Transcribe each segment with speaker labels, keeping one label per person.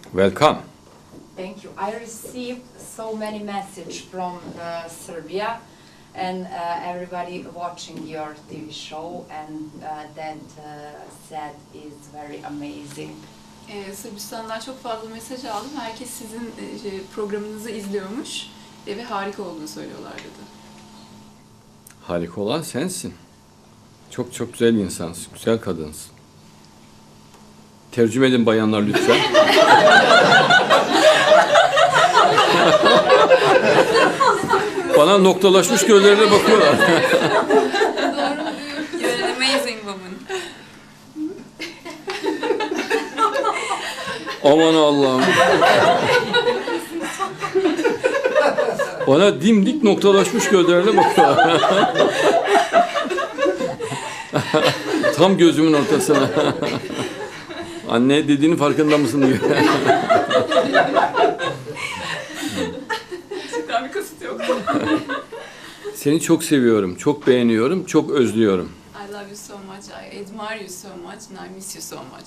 Speaker 1: Welcome.
Speaker 2: Thank you. I received so many messages from Serbia and everybody watching your TV show, and that said is very amazing.
Speaker 3: Sırbistan'dan çok fazla mesaj aldım. Herkes sizin programınızı izliyormuş ve harika olduğunu söylüyorlar dedi.
Speaker 1: Harika olan sensin. Çok çok güzel insansın, güzel kadınsın. Tercüme edin bayanlar lütfen. Bana noktalaşmış gözlerine bakıyorlar.
Speaker 3: Doğru mu diyor? You're an amazing woman.
Speaker 1: Aman Allah'ım. Bana dimdik noktalaşmış gözlerine bakıyorlar. Tam gözümün ortasına. Anne dediğinin farkında mısın diyor.
Speaker 3: Gerçekten bir kasıt yok.
Speaker 1: Seni çok seviyorum, çok beğeniyorum, çok özlüyorum.
Speaker 3: I love you so much, I admire you so much, and I miss you so much.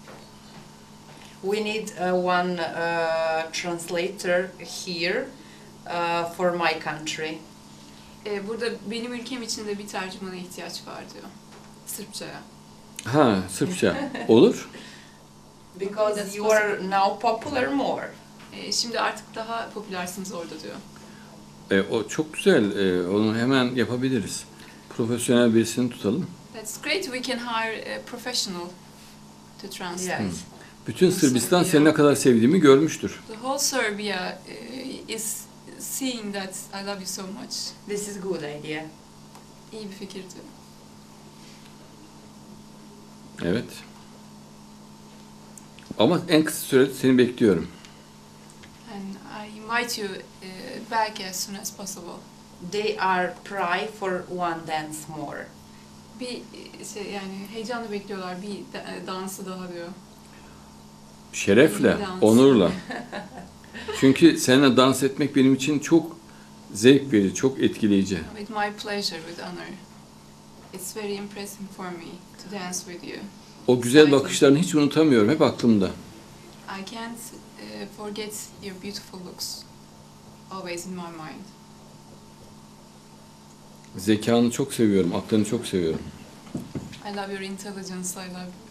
Speaker 2: We need one translator here for my country.
Speaker 3: Burada benim ülkem için de bir tercümana ihtiyaç var diyor. Sırpçaya.
Speaker 1: Ha, Sırpça. Olur.
Speaker 2: Because you are now popular more.
Speaker 3: Şimdi artık daha popülersiniz orada diyor.
Speaker 1: O çok güzel. Onu hemen yapabiliriz. Profesyonel birisini tutalım.
Speaker 3: That's great, we can hire a professional to translate.
Speaker 2: Yes.
Speaker 1: Bütün Sırbistan seni ne kadar sevdiğimi görmüştür.
Speaker 3: The whole Serbia is seeing that I love you so much.
Speaker 2: This is good idea.
Speaker 3: İyi bir fikir diyor.
Speaker 1: Evet. Ama en kısa sürede seni bekliyorum.
Speaker 3: And I invite you back as soon as possible.
Speaker 2: They are pray for one dance more.
Speaker 3: Bir yani heyecanla bekliyorlar bir dansı daha diyor.
Speaker 1: Şerefle,
Speaker 3: İyi dans.
Speaker 1: onurla. Çünkü seninle dans etmek benim için çok zevk verici, çok etkileyici.
Speaker 3: With my pleasure, with honor. It's very impressive for me to dance with you.
Speaker 1: O güzel bakışlarını hiç unutamıyorum, hep aklımda.
Speaker 3: I can't forget your beautiful looks. Always in my mind.
Speaker 1: Zekanı çok seviyorum, aklını çok seviyorum.
Speaker 3: I love your intelligence, I love